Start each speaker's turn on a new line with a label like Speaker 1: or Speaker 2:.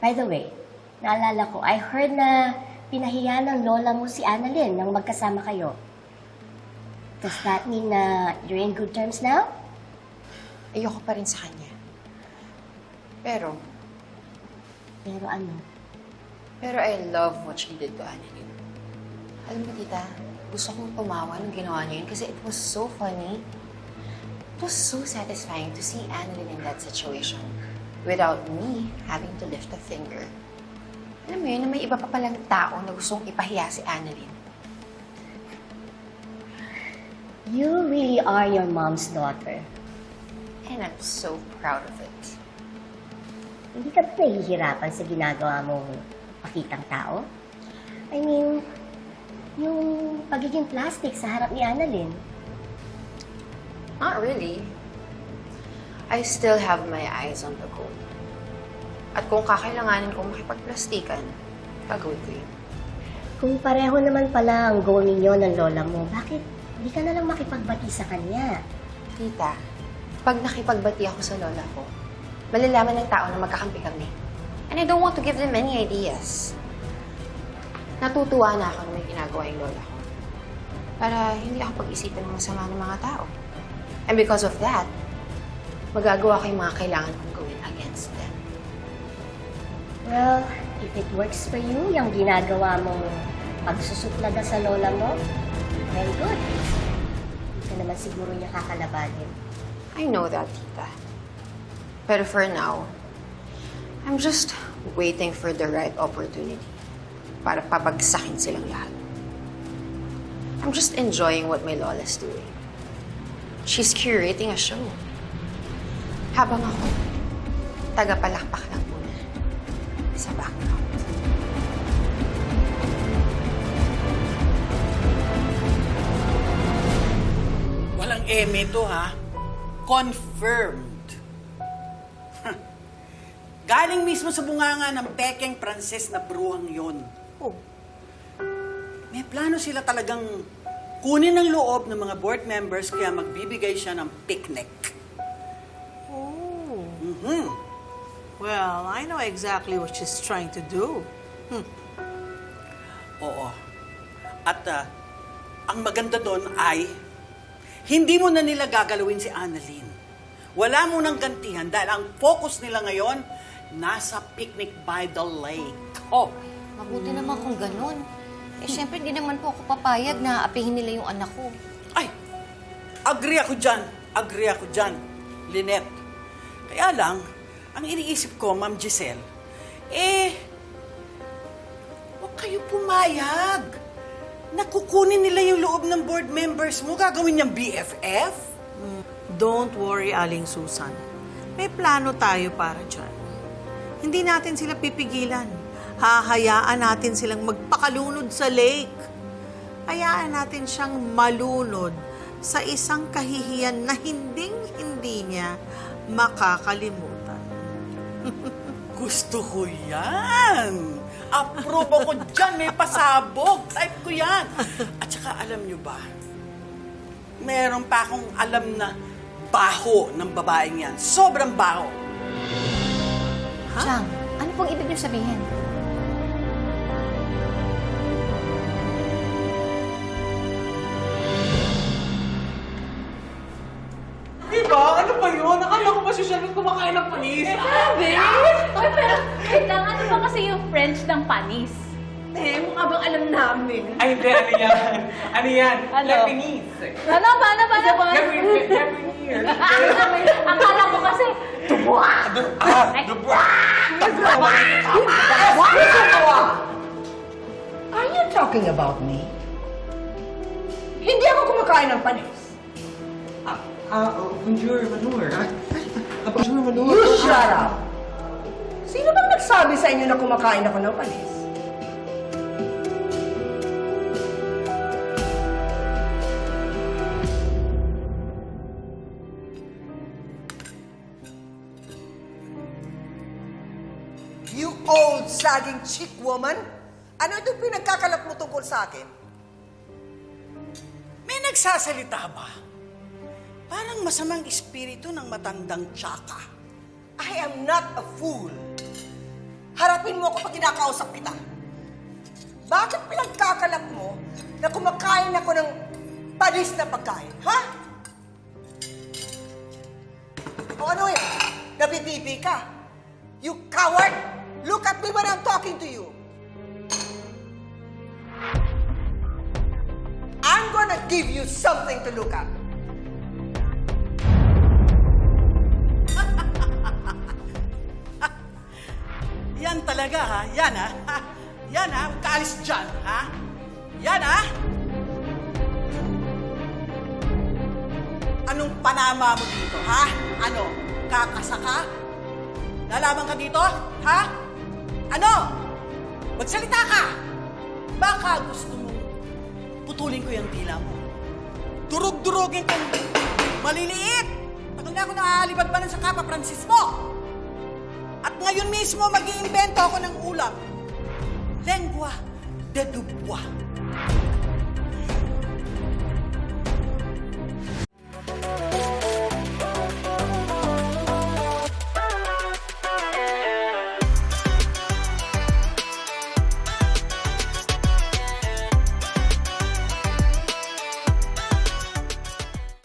Speaker 1: By the way, naalala ko, I heard na pinahiya ng lola mo si Annalyn nang magkasama kayo. Does that mean na you're in good terms now?
Speaker 2: Ayoko pa rin sa kanya. Pero
Speaker 1: Ano?
Speaker 2: I love what she did to Annalyn. Alam mo, tita, gusto kong tumawa nung ginawa niya yun kasi it was so funny. It was so satisfying to see Annalyn in that situation without me having to lift a finger. Alam mo yun, na may iba pa palang tao na gustong ipahiya si Annalyn.
Speaker 1: You really are your mom's daughter.
Speaker 2: And I'm so proud of it.
Speaker 1: Hindi ka ba nahihirapan sa ginagawa mong pakitang tao? I mean, yung pagiging plastic sa harap ni Annalyn.
Speaker 2: Not really. I still have my eyes on the goal. At kung kakailanganin kong makipagplastikan, gagawin ko yun.
Speaker 1: Kung pareho naman pala ang goal ninyo ng lola mo, bakit di ka na lang makipagbati sa kanya?
Speaker 2: Tita, pag nakipagbati ako sa lola ko, malalaman ng tao na magkakampi kami. And I don't want to give them any ideas. Natutuwa na ako na may ginagawa yung lola ko. Para hindi ako pag-isipan ng masama ng mga tao. And because of that, magagawa ko yung mga kailangan kong gawin against them.
Speaker 1: Well, if it works for you, yung ginagawa mong pagsusuplaga sa lola mo, very good. Hindi ka naman siguro niya kakalabanin.
Speaker 2: I know that, tita. Pero for now, I'm just waiting for the right opportunity para pabagsakin silang lahat. I'm just enjoying what my lola's doing. She's curating a show. Habang ako, tagapalakpak lang muna sa background.
Speaker 3: Walang eme to, ha? Confirmed. Galing mismo sa bunganga ng pekeng Pranses na bruhang yon.
Speaker 4: Oh.
Speaker 3: May plano sila talagang kunin ang loob ng mga board members kaya magbibigay siya ng picnic.
Speaker 4: Oh.
Speaker 3: Mhm.
Speaker 4: Well, I know exactly what she's trying to do.
Speaker 3: Oo. At ang maganda doon ay hindi mo na nila gagalawin si Annalyn. Wala mo nang gantihan dahil ang focus nila ngayon nasa picnic by the lake.
Speaker 5: Oh, mabuti naman kung ganun. Eh, syempre, di naman po ako papayag na apihin nila yung anak ko.
Speaker 3: Ay, agree ako dyan. Agree ako dyan, Lynette. Kaya lang, ang iniisip ko, Ma'am Giselle, huwag kayo pumayag. Nakukunin nila yung loob ng board members mo. Gagawin niyang BFF?
Speaker 4: Don't worry, Aling Susan. May plano tayo para dyan. Hindi natin sila pipigilan. Hahayaan natin silang magpakalunod sa lake. Hayaan natin siyang malunod sa isang kahihiyan na hinding-hindi niya makakalimutan.
Speaker 3: Gusto ko yan. Approve ako dyan. May pasabog. Type ko yan. At saka alam nyo ba, meron pa akong alam na baho ng babaeng yan. Sobrang baho.
Speaker 5: Chang, ano pong ibig niyo sabihin?
Speaker 6: Diba? Ano ba yun? Akala ko ba si Charlotte kumakain ng panis?
Speaker 7: Grabe! Ay, pero wait lang, ano ba kasi yung French ng panis?
Speaker 6: Eh, mukha bang alam namin? Ay, hindi. Ano yan? Ano yan?
Speaker 7: Ano?
Speaker 6: Lebanese.
Speaker 7: Ano ba?
Speaker 6: Lebanese.
Speaker 7: Akala ko kasi,
Speaker 8: Are you talking about me? Hindi ako kumakain ng panis.
Speaker 6: Bonjour, Manur. Bonjour, Manur.
Speaker 8: You shut up! Sino bang nagsabi sa inyo na kumakain ako ng panis? You old sagging chick woman! Ano itong pinagkakalap mo tungkol sa akin?
Speaker 3: May nagsasalita ba? Parang masamang espiritu ng matandang tsaka.
Speaker 8: I am not a fool. Harapin mo ako pag kinakausap kita. Bakit pinagkakalap mo na kumakain ako ng panis na pagkain, ha? O ano yun? Nabibibi ka? You coward! Look at me when I'm talking to you. I'm gonna give you something to look at.
Speaker 3: Yan talaga, ha? Yan, ha? Yan, ha? Huwag ka alis dyan, ha? Yan, ha? Anong panama mo dito, ha? Ano? Kakasa ka? Lalaban ka dito, ha? Ano? Magsalita ka! Baka gusto mo putulin ko yung dila mo. Durug-durugin kang maliliit! Tagal na ako nakaalibad pa sa Kapa Francisco! At ngayon mismo mag-iimbento ako ng ulam. Lengua de Dubois.